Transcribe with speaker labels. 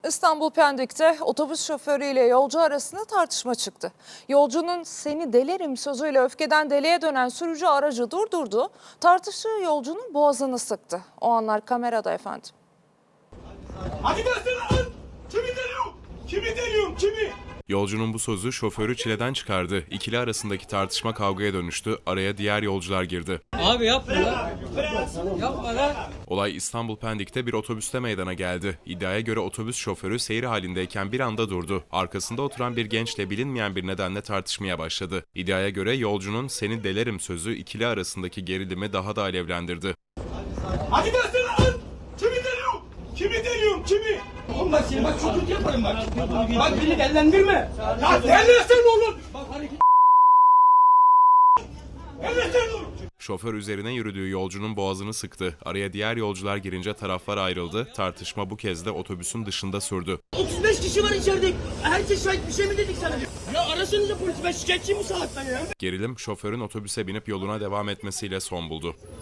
Speaker 1: İstanbul Pendik'te otobüs şoförüyle yolcu arasında tartışma çıktı. Yolcunun "seni delerim" sözüyle öfkeden deliye dönen sürücü aracı durdurdu. Tartıştığı yolcunun boğazını sıktı. O anlar kamerada efendim.
Speaker 2: Hadi versene lan! Kimi deliyorum? Kimi deliyorum? Kimi?
Speaker 3: Yolcunun bu sözü şoförü çileden çıkardı. İkili arasındaki tartışma kavgaya dönüştü. Araya diğer yolcular girdi.
Speaker 4: Abi yapma lan. Yapma lan.
Speaker 3: Olay İstanbul Pendik'te bir otobüste meydana geldi. İddiaya göre otobüs şoförü seyir halindeyken bir anda durdu. Arkasında oturan bir gençle bilinmeyen bir nedenle tartışmaya başladı. İddiaya göre yolcunun "seni delerim" sözü ikili arasındaki gerilimi daha da alevlendirdi.
Speaker 2: Hadi versene lan! Kimi deliyorum? Kimi deliyorum? Kimi? Oğlum bak seni bak çok kötü yaparım bak. Bak beni dellendirme. Ya dellensen olur. Bak hareket. Dellensen olur.
Speaker 3: Şoför üzerine yürüdüğü yolcunun boğazını sıktı. Araya diğer yolcular girince taraflar ayrıldı. Tartışma bu kez de otobüsün dışında sürdü.
Speaker 5: 35 kişi var içeride. Herkes şahit, bir şey mi dedik sana? Ya arasanıza polis, ben şikayetçiyim bu saatten ya.
Speaker 3: Gerilim şoförün otobüse binip yoluna devam etmesiyle son buldu.